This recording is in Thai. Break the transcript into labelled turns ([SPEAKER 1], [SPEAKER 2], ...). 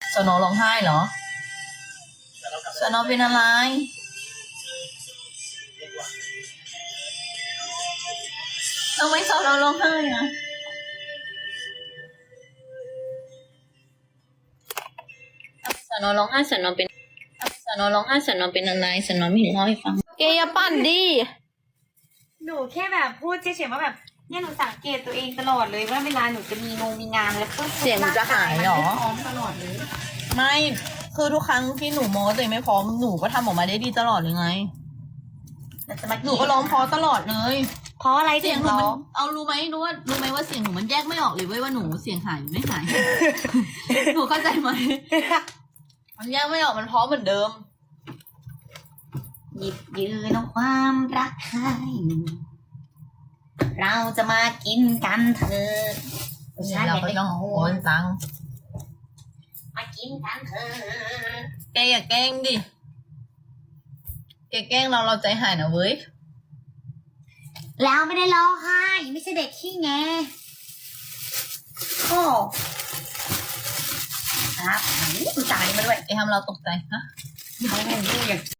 [SPEAKER 1] สโนร้องไห้เหรอสโนเป็นอะไรทำไมสโนร้องไห้อะสโนร้องไห้สโนเป็นสโนร้องไห้สโนเป็นอะไรสโนไม่เห็นเล่าให้ฟังแกอย่าปั่นดิ
[SPEAKER 2] หนูแค่แบบพูดเฉยๆว่าแบบเนี่ยหนูสังเกตตัวเองตลอดเลยว่าเวลาหนูจะมีงานแล้วก็
[SPEAKER 1] เสียงจะหายเหรอ
[SPEAKER 2] พร้อมตลอดเลย
[SPEAKER 1] ไม่คือทุกครั้งที่หนูโม้ตัวเองไม่พร้อมหนูก็ทำออกมาได้ดีตลอดเลยไง
[SPEAKER 2] แต่จะมา
[SPEAKER 1] หนูก็ร้องเพราะตลอดเลย
[SPEAKER 2] เพราะอะไร
[SPEAKER 1] เสี
[SPEAKER 2] ถึ
[SPEAKER 1] ยง
[SPEAKER 2] ง
[SPEAKER 1] หนู
[SPEAKER 2] ร้
[SPEAKER 1] มั
[SPEAKER 2] อน ง
[SPEAKER 1] เอารู้ไหมว่าเสียงหนูมันแยกไม่ออกเลยเว้ยว่าหนูเสียงหายหรือไม่หาย หนูเข้าใจไหมมันแยกไม่ออกมันเพราะเหมือนเดิม
[SPEAKER 2] หยิบยืนเอาความรักให้เราจะมากินกันเถอะ
[SPEAKER 1] เราก็ต้องโอนตังค์
[SPEAKER 2] มากินกันเถอะ
[SPEAKER 1] แกอย่าแกล้งดิแกแกล้งเราใจหายนะเว้ย
[SPEAKER 2] แล้วไม่ได้ร้องไห้ไม่ใช่เด็กขี้แงโอ้ครับอุ๊ยจ่ายมาด้วย
[SPEAKER 1] แกทำเราตกใจฮะ
[SPEAKER 2] เขาอย่าง